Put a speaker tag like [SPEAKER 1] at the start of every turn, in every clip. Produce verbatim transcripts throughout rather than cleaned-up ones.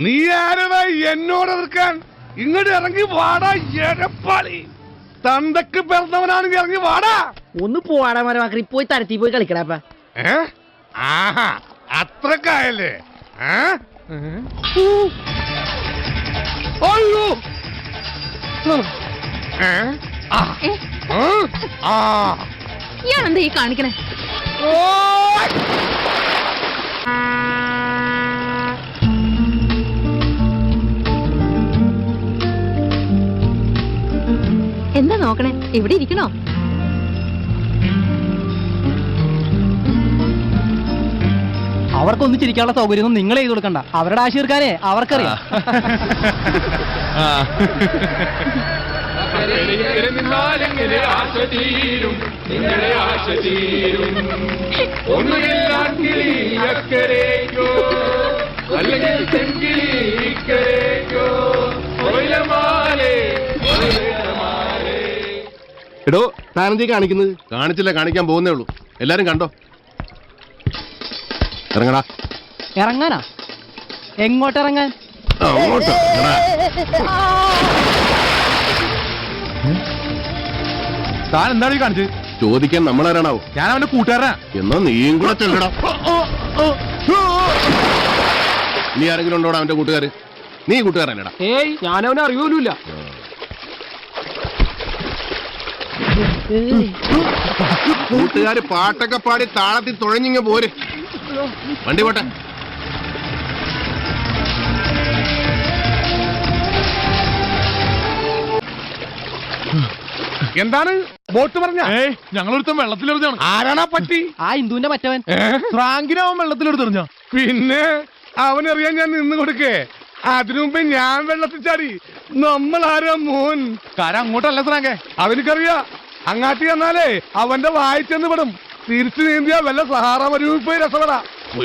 [SPEAKER 1] നീ ആരടാ എന്നോട് എതിർക്കാൻ? ഇങ്ങോട്ട് ഇറങ്ങി വാടാ എടപ്പാളി. തന്തക്ക് പിറന്നവനാണെങ്കിൽ ഇറങ്ങി വാടാ.
[SPEAKER 2] ഒന്ന് പോവാടാ മരമാക്കി പോയി തരത്തി പോയി കളിക്കടാപ്പ.
[SPEAKER 1] ഏ ആഹാ അത്രക്കായല്ലേ? അയ്യോ
[SPEAKER 3] ഞാനെന്താ ഈ കാണിക്കണേ? എന്താ നോക്കണേ? ഇവിടെ ഇരിക്കണോ?
[SPEAKER 2] അവർക്കൊന്നും ചിരിക്കാനുള്ള സൗകര്യം നിങ്ങൾ ചെയ്ത് കൊടുക്കണ്ട. അവരുടെ ആശ തീർക്കാനേ അവർക്കറിയാം.
[SPEAKER 4] എടോ താനെന്തീ കാണിക്കുന്നത്? കാണിച്ചില്ല, കാണിക്കാൻ പോകുന്നേ ഉള്ളൂ. എല്ലാരും കണ്ടോ? ഇറങ്ങടാ.
[SPEAKER 2] ഇറങ്ങാനാ? എങ്ങോട്ട് ഇറങ്ങാൻ?
[SPEAKER 4] അങ്ങോട്ട്
[SPEAKER 1] താൻ എന്താണ് ഈ കാണിച്ചത്?
[SPEAKER 4] ചോദിക്കാൻ നമ്മളാരാണാവോ?
[SPEAKER 1] ഞാൻ അവന്റെ കൂട്ടുകാരനാ.
[SPEAKER 4] എന്നാ നീയും കൂടെ ചെല്ലടാ. നീ ആരെങ്കിലും ഉണ്ടോടാ അവന്റെ കൂട്ടുകാര്? നീ കൂട്ടുകാരനടാ.
[SPEAKER 2] ഏയ് ഞാനവനെ അറിയൂല.
[SPEAKER 4] കൂട്ടുകാര് പാട്ടൊക്കെ പാടി താളത്തിൽ തുഴഞ്ഞിങ്ങ പോര്. വണ്ടി പോട്ടെ.
[SPEAKER 1] എന്താണ് ബോട്ട് പറഞ്ഞ?
[SPEAKER 5] ഞങ്ങളൊരുത്തം വെള്ളത്തിലെറിഞ്ഞാണ്.
[SPEAKER 1] ആരാണാ പറ്റി?
[SPEAKER 2] ആ ഹിന്ദുവിന്റെ മറ്റവൻ
[SPEAKER 5] ഫ്രാങ്കിനാവൻ വെള്ളത്തിലെടുത്തെറിഞ്ഞ.
[SPEAKER 1] പിന്നെ അവനറിയാൻ ഞാൻ നിന്ന് കൊടുക്കേ. അതിനു മുമ്പേ ഞാൻ വെള്ളത്തിൽ ചാടി. നമ്മൾ ആരാ മോൻ?
[SPEAKER 5] കാര അങ്ങോട്ടല്ല ഫ്രാങ്കേ.
[SPEAKER 1] അവനിക്കറിയാ. അങ്ങാട്ടി ചെന്നാലേ അവന്റെ വായിച്ചെന്ന് പെടും. തിരിച്ചു നീന്തിയാ വല്ല സഹാറ മരുഭൂമിയിൽ പോയി രസപ്പെടാ.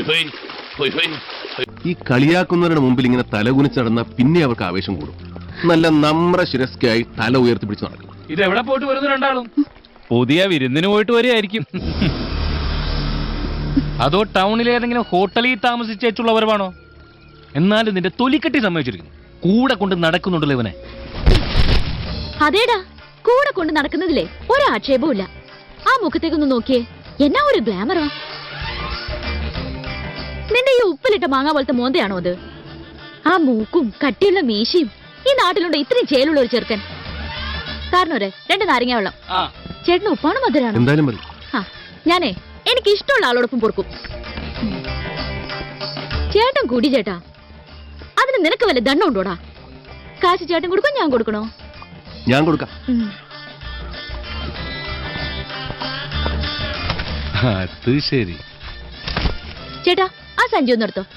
[SPEAKER 4] ഈ കളിയാക്കുന്നവരുടെ മുമ്പിൽ ഇങ്ങനെ തലകുനിച്ച് നടന്ന പിന്നെ അവർക്ക് ആവേശം കൂടും. നല്ല നമ്ര ശിരസ്കായി തല ഉയർത്തിപ്പിടിച്ച് നടക്കും.
[SPEAKER 5] ഇതെവിടെ പോയിട്ട് വരുന്നു രണ്ടാളും? പുതിയ വിരുന്നിന് പോയിട്ട് വരികയായിരിക്കും. അതോ ടൗണിലെ ഏതെങ്കിലും ഹോട്ടലിൽ താമസിച്ചുള്ളവരാണോ? എന്നാലും നിന്റെ തൊലിക്കെട്ടി സമ്മതിച്ചിരിക്കുന്നു. കൂടെ കൊണ്ട് നടക്കുന്നുണ്ടല്ലോ ഇവനെ.
[SPEAKER 3] അതേടാ, കൂടെ കൊണ്ട് നടക്കുന്നതില്ലേ ഒരാക്ഷേപവും ഇല്ല. ആ മുഖത്തേക്കൊന്ന് നോക്കിയേ, എന്നാ ഒരു ഗ്ലാമറാ. നിന്റെ ഈ ഉപ്പിലിട്ട മാങ്ങ പോലത്തെ മോന്തയാണോ അത്? ആ മൂക്കും കട്ടിയുള്ള മീശയും. ഈ നാട്ടിലുണ്ട് ഇത്രയും ചേലുള്ള ഒരു ചെറുക്കൻ. കാരണം ഒരേ രണ്ട് നാരങ്ങ വെള്ളം. ചേട്ടന് ഉപ്പാണ് മധുരാണ്.
[SPEAKER 4] എന്തായാലും മതി.
[SPEAKER 3] ആ ഞാനേ എനിക്ക് ഇഷ്ടമുള്ള ആളോടൊപ്പം പൊറുക്കും. ചേട്ടൻ കൂടി ചേട്ടാ. അതിന് നിനക്ക് വല്ല ദണ്ണം ഉണ്ടോടാ? കാശ് ചേട്ടൻ കൊടുക്കും, ഞാൻ കൊടുക്കണോ?
[SPEAKER 4] ഞാൻ കൊടുക്കാം.
[SPEAKER 5] അത് ശരി.
[SPEAKER 3] ചേട്ടാ ആ സഞ്ചി ഒന്ന് എടുത്തോ.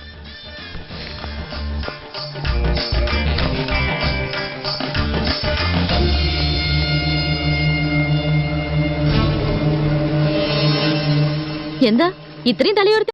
[SPEAKER 3] എന്താ ഇത്രയും തലയോർത്ത്?